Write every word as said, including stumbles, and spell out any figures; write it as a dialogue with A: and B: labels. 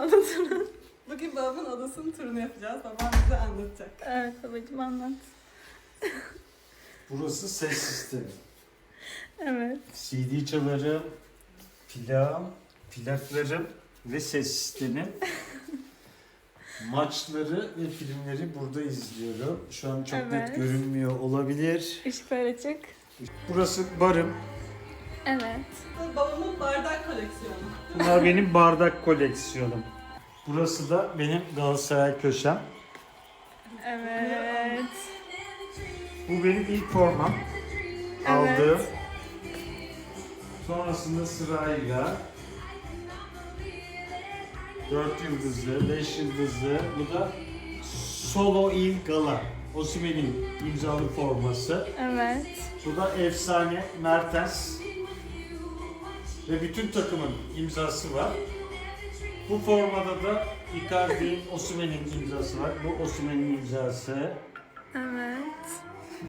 A: oda turu.
B: Bugün babamın odasının turunu yapacağız. Babam bize anlatacak.
A: Evet babacığım anlat.
C: Burası ses sistemi.
A: Evet.
C: C D çalarım, plağım, plaklarım ve ses sistemim. Maçları ve filmleri burada izliyorum. Şu an çok
A: Evet.
C: net görünmüyor olabilir.
A: Işıklar açık.
C: Burası barım.
A: Evet.
B: Bu babamın bardak koleksiyonu.
C: Bunlar benim bardak koleksiyonum. Burası da benim Galatasaray köşem.
A: Evet.
C: Bu benim ilk formam.
A: Evet.
C: Aldığım. Sonrasında sırayla dört yıldızlı, beş yıldızlı. Bu da Solo Il Gala. Osimhen'in imzalı forması.
A: Evet.
C: Bu da efsane Mertens. Ve bütün takımın imzası var. Bu formada da Icardi, Osimhen'in imzası var. Bu Osimhen'in imzası.
A: Evet.